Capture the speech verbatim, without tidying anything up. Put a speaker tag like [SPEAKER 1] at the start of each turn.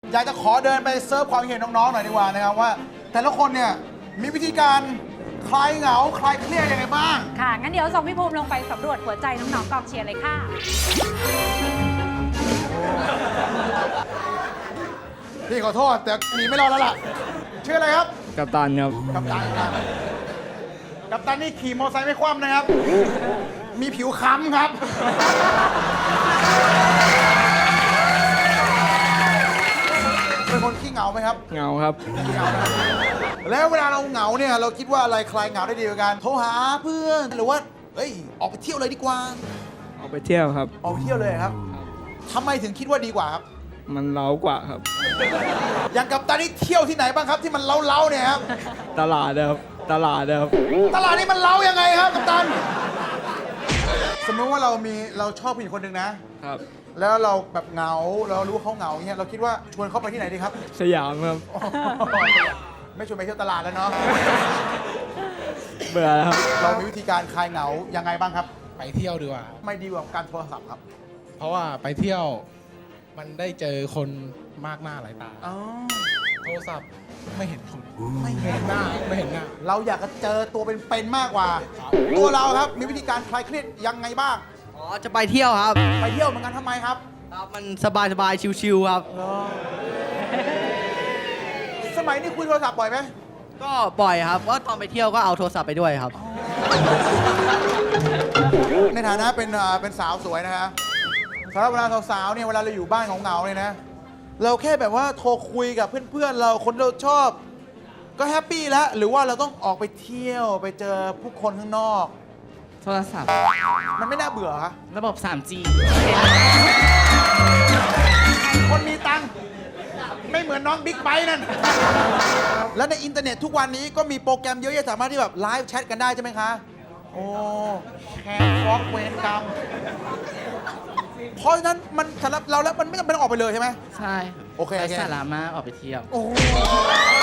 [SPEAKER 1] อยากจะขอเดินไปเซิร์ฟความเห็นน้องๆหน่อยดีกว่านะครับว่า แต่ละคนเนี่ยมีวิธีการคลายเหงาคลายเครียดยังไงบ้าง
[SPEAKER 2] ค่ะ งั้นเดี๋ยวส่งพี่ภูมิลงไปสำรวจหัวใจน้องๆกองเชียร์เลยค่ะ
[SPEAKER 1] พี่ขอโทษแต่หนีไม่รอดแล้วล่ะชื่ออะไรครับ
[SPEAKER 3] กัปตันครับ
[SPEAKER 1] กัปตันครับกัปตันนี่ขี่มอเตอร์ไซค์ไม่คว่ำนะครับ มีผิวค้ำครับ เป็นคนขี้เหงาไหมครับ
[SPEAKER 3] เหงาครับ
[SPEAKER 1] ขี้เหงานะแล้วเวลาเราเหงาเนี่ยเราคิดว่าอะไรคลายเหงาได้ดีกว่ากันโทรหาเพื่อนหรือว่าเอ้ยออกไปเที่ยวเลยดีกว่า
[SPEAKER 3] ออกไปเที่ยวครับ
[SPEAKER 1] ออกไปเที่ยวเลยครับทำไมถึงคิดว่าดีกว่าครับ
[SPEAKER 3] มันเล้ากว่าครับ
[SPEAKER 1] อย่างกัปตันนี่เที่ยวที่ไหนบ้างครับที่มันเล้าๆเนี่ยครับ
[SPEAKER 3] ตลาดนะครับ ตลาดนะครับ
[SPEAKER 1] ตลาดนี้มันเล้ายังไงครับกัปตัน สมมติว่าเรามีเราชอบผู้หญิงคนหนึ่งนะ
[SPEAKER 3] ครับ
[SPEAKER 1] แล้วเราแบบเหงาเรารู้เขาเหงาอย่างเงี้ยเราคิดว่าชวนเขาไปที่ไหนดีครับ
[SPEAKER 3] สยามครับ
[SPEAKER 1] ไม่ชวนไปเที่ยวตลาดแล้วเนาะ
[SPEAKER 3] เบื่อแล้วครับ
[SPEAKER 1] เรามีวิธีการคลายเหงายังไงบ้างครับ
[SPEAKER 4] ไปเที่ยวดีกว่า
[SPEAKER 1] ไม่ดีกว่าการโทรศัพท์ครับ
[SPEAKER 4] เพราะว่าไปเที่ยวมันได้เจอคนมากหน้าหลายตา
[SPEAKER 1] อ๋อ
[SPEAKER 4] โทรศัพท์ไม่เห็นคน
[SPEAKER 1] ไม่เห็
[SPEAKER 4] เห็
[SPEAKER 1] น
[SPEAKER 4] นหน้าไม่เห็นหน้า
[SPEAKER 1] เราอยากจะเจอตัวเป็นๆมากกว่า ตัวเราครับมีวิธีการคลายเครียดยังไงบ้าง
[SPEAKER 5] อ๋อ จะไปเที่ยวครับ
[SPEAKER 1] ไปเที่ยวเหมือนกันทำไมครับ
[SPEAKER 5] ครับ มันสบายสบายๆชิวๆครับ
[SPEAKER 1] สมัยนี้คุยโทรศัพท์บ่อยไหม
[SPEAKER 5] ก็บ่อยครับว่าตอนไปเที่ยวก็เอาโทรศัพท์ไปด้วยครับ
[SPEAKER 1] ในฐานะเป็นอ่าเป็นสาวสวยนะฮะสำหรับเวลาสาวๆเนี่ยเวลาเราอยู่บ้านเหงาๆเนี่ยนะ เราแค่แบบว่าโทรคุยกับเพื่อนๆเราคนเราชอบ ก็แฮปปี้แล้วหรือว่าเราต้องออกไปเที่ยวไปเจอผู้คนข้างนอก
[SPEAKER 6] โทรศัพท์
[SPEAKER 1] มันไม่น่าเบื่อฮะ
[SPEAKER 6] ระบบ ทรี จี
[SPEAKER 1] คนมีตังค์ไม่เหมือนน้องบิ๊กไบค์นั่น แล้วในอินเทอร์เน็ตทุกวันนี้ก็มีโปรแกรมเยอะแยะสามารถที่แบบไลฟ์แชทกันได้ใช่ไหมคะ โอ้แฮร์ฟอกเวนกรรมเพราะฉะนั้นมันสำหรับเราแล้วมันไม่จำเป็นต้องออกไปเลยใช่ไหม
[SPEAKER 6] ใช่
[SPEAKER 1] โอเคโอเค
[SPEAKER 6] ไร้สาระมากออกไปเที่ยว
[SPEAKER 1] โอ้โห